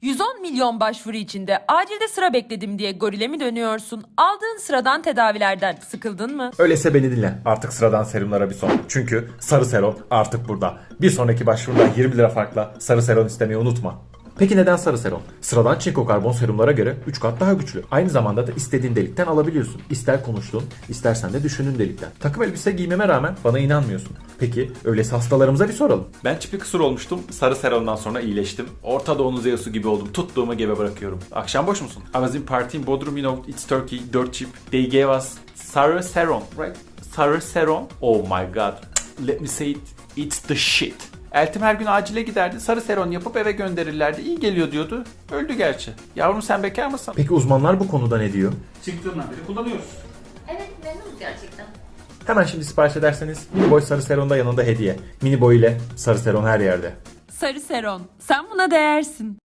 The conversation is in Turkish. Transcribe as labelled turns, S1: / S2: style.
S1: 110 milyon başvuru içinde acilde sıra bekledim diye gorile mi dönüyorsun? Aldığın sıradan tedavilerden sıkıldın mı?
S2: Öyleyse beni dinle. Artık sıradan serumlara bir son. Çünkü Sarı Serum artık burada. Bir sonraki başvuruda 20 lira farkla Sarı Serum istemeyi unutma. Peki neden Sarı Serum? Sıradan çinko karbon serumlara göre 3 kat daha güçlü. Aynı zamanda da istediğin delikten alabiliyorsun. İster konuştuğun, istersen de düşündüğün delikten. Takım elbise giymeme rağmen bana inanmıyorsun. Peki öyleyse hastalarımıza bir soralım.
S3: Ben çipi kısır olmuştum. Sarı Seron'dan sonra iyileştim. Orta Doğu'nun Zeus'u gibi oldum. Tuttuğumu gebe bırakıyorum. Akşam boş musun? I was in party in Bodrum, you know, it's Turkey, 4 chip. They gave us Sarı Seron, right? Sarı Seron. Oh my god. Let me say it. It's the shit. Eltim her gün acile giderdi. Sarı Seron yapıp eve gönderirlerdi. İyi geliyor diyordu. Öldü gerçi. Yavrum sen bekar mısın?
S2: Peki uzmanlar bu konuda ne diyor?
S3: Çıktığından beri kullanıyoruz.
S4: Evet, memnunuz gerçekten.
S2: Hemen şimdi sipariş ederseniz mini boy Sarı Seron'da yanında hediye. Mini boy ile Sarı Seron her yerde.
S1: Sarı Seron, sen buna değersin.